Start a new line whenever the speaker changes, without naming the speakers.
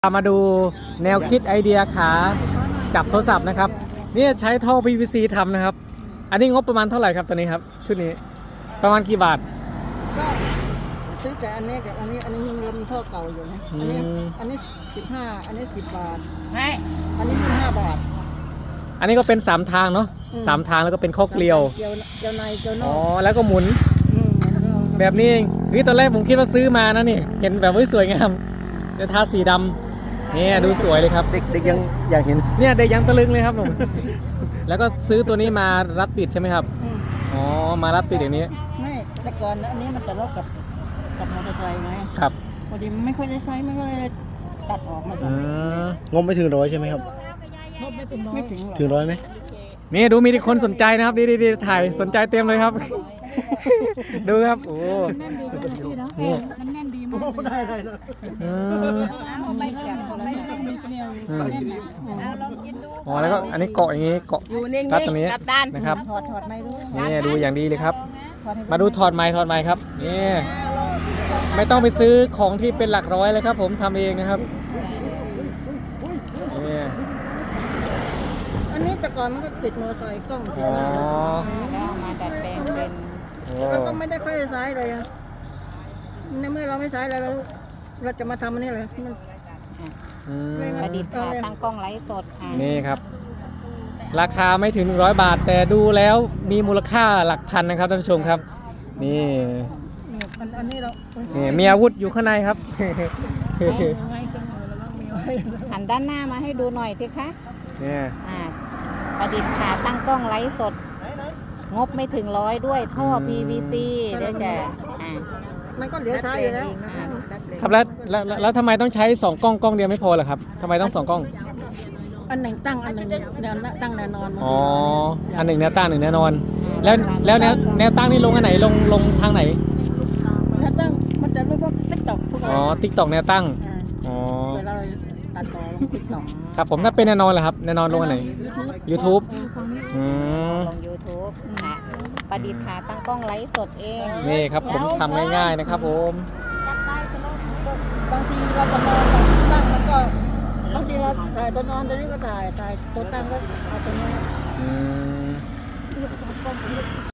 มาดูแนวคิดไอเดียขาจับโทรศัพท์นะครับนี่ใช้ท่อ PVC ทำนะครับอันนี้งบประมาณเท่าไหร่ครับตัวนี้ครับชุดนี้ประมาณกี่บาท
ก็ซื้อแต่อันนี้กับอันนี้ยังมีท่อเก่าอยู่นะอันนี้15อันนี้10 บาทไม่อันนี้15 บาท
อันนี้ก็เป็น3ทางเนาะ3ทางแล้วก็เป็นข้อเกลียว
เกลียวในเกลียวนอก
อ๋อแล้วก็หมุนแบบนี้เองตอนแรกผมคิดว่าซื้อมานะนี่เห็นแบบสวยงามจะทาสีดำเนี่ยดูสวยเลยครับ
เด็กยังอยากเห็น
เนี่ยเด็กยังตะลึงเลยครับผมแล้วก็ซื้อตัวนี้มารัดติดใช่ไหมครับอ๋อมารัดติดอย่างนี้
ไม่แต่ก่อนอันนี้มันจะลดกับมอเตอร์ไซค์ไง
ครับ
พอดีไม่ค่อยได้ใช้มันก็เลยตัดออกมา
งบไม่ถึง100ใช่ไหมครับ
ไม่ถึง
100ไหม
นี่ดูมีคนสนใจนะครับดีถ่ายสนใจเต็มเลยครับดูครับโอ้
แน่นดีนี่มันแน่นดีมากได้
อ๋อแล้วก็อันนี้เกาะอย่างนี้เกาะรัดตรงนี้นะครับ
ถอดไม้ด้วย
นี่ดูอย่างดีเลยครับมาดูถอดไม้ครับนี่ไม่ต้องไปซื้อของที่เป็นหลักร้อยเลยครับผมทำเองนะครับนี่
อันนี้แต่ก่อนมันก็ติดมอเตอร์ไซค์กล้องติดหน้ามาดัดแปลงเป็นเราก็ไม่ได้ค่อยใช้เลยในเมื่อเราไม่ใช้อะไรเราจะมาทำอันนี้เลย
ประดิษฐ์ค่ะตั้งกล้องไลฟ์สด
นี่ครับราคาไม่ถึง100 บาทแต่ดูแล้วมีมูลค่าหลักพันนะครับท่านผู้ชมครับนี่
อันนี้เรา
นี่มีอาวุธอยู่ข้างในครับ
หันด้านหน้ามาให้ดูหน่อยสิคะ
เนี่ย
ประดิษฐ์ค่ะตั้งกล้องไลฟ์สดงบไม่ถึง100ด้วยท่อ PVC เดี๋ยวจะ
มันก็เหลือใช้อยู่แล้ว
ครับแล้วทำไมต้องใช้2 กล้องเดียวไม่พอเหรอครับทำไมต้อง2 กล้อง
อันหนึ่งตั้งอันหนึ่งแนวตั้งแนวนอน
อ๋ออันหนึ่งแนวตั้ง1 แนวนอนแล้วแนวตั้งนี่ลงอันไหนลงทางไหน
แนวตั้งมันจะรูปว่าTikTok
อ๋อ TikTok แนวตั้งอ๋อ
เวลาตัดต่อลงTikTok
ครับผมถ้าเป็นแนวนอนเหรอครับแนวนอนลงอันไหน YouTube
ลง YouTube นะประดิษฐ์ค่ะตั้งกล้องไลฟ์สดเอง
นี่ครับผมทำง่ายๆนะครับผม
บางทีเราจะนอนตั้งแล้วก็บางทีเราถ่ายตัวนอนตัวนี้ก็ถ่ายตัวตั้งก็เอาตัวนี้